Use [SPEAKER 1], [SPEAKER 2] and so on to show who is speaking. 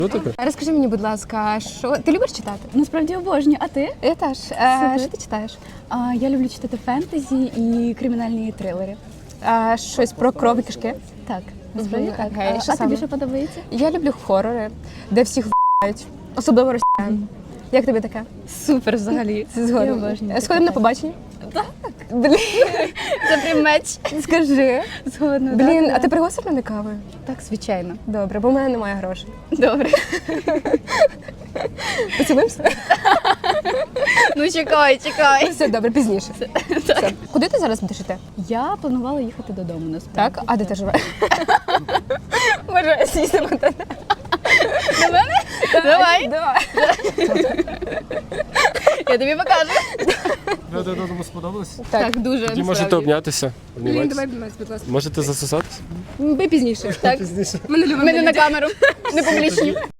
[SPEAKER 1] Розкажи мені, будь ласка, що ти любиш читати?
[SPEAKER 2] Насправді обожнюю. А ти?
[SPEAKER 1] Я теж. Що ти читаєш?
[SPEAKER 2] Я люблю читати фентезі і кримінальні трилери.
[SPEAKER 1] Щось про кров і кишки?
[SPEAKER 2] Так, насправді так.
[SPEAKER 1] Окей, що
[SPEAKER 2] А
[SPEAKER 1] саме?
[SPEAKER 2] тобі що подобається?
[SPEAKER 1] Я люблю хорори, де всіх в***ють. Особливо росіян. Як тобі таке?
[SPEAKER 2] Супер взагалі.
[SPEAKER 1] Це згодом.
[SPEAKER 2] Я обожнюю.
[SPEAKER 1] Сходимо на побачення? Так. Блін,
[SPEAKER 2] Це прям меч.
[SPEAKER 1] скажи.
[SPEAKER 2] Згодна.
[SPEAKER 1] Блін,
[SPEAKER 2] так,
[SPEAKER 1] а ти пригостиш мене кавою?
[SPEAKER 2] Так, звичайно.
[SPEAKER 1] Добре, бо в мене немає грошей.
[SPEAKER 2] Добре.
[SPEAKER 1] Поцілуємося?
[SPEAKER 2] Ну чекай.
[SPEAKER 1] Все, добре, пізніше. Все. Куди ти зараз будеш йти?
[SPEAKER 2] Я планувала їхати додому насправді.
[SPEAKER 1] Так? А де ти живеш? Може, сісти на тебе?
[SPEAKER 2] До мене? Давай.
[SPEAKER 1] Давай.
[SPEAKER 2] Я тобі покажу.
[SPEAKER 3] Ви додому сподобалось?
[SPEAKER 2] Так, дуже.
[SPEAKER 3] Тоді можете обнятися.
[SPEAKER 1] Блін,
[SPEAKER 3] обніматися.
[SPEAKER 1] давай обніматися, будь ласка.
[SPEAKER 3] Можете засосатись?
[SPEAKER 1] Ми пізніше.
[SPEAKER 2] Так.
[SPEAKER 3] Пізніше.
[SPEAKER 1] Ми не любимо.
[SPEAKER 2] Мене на камеру. Не публічні.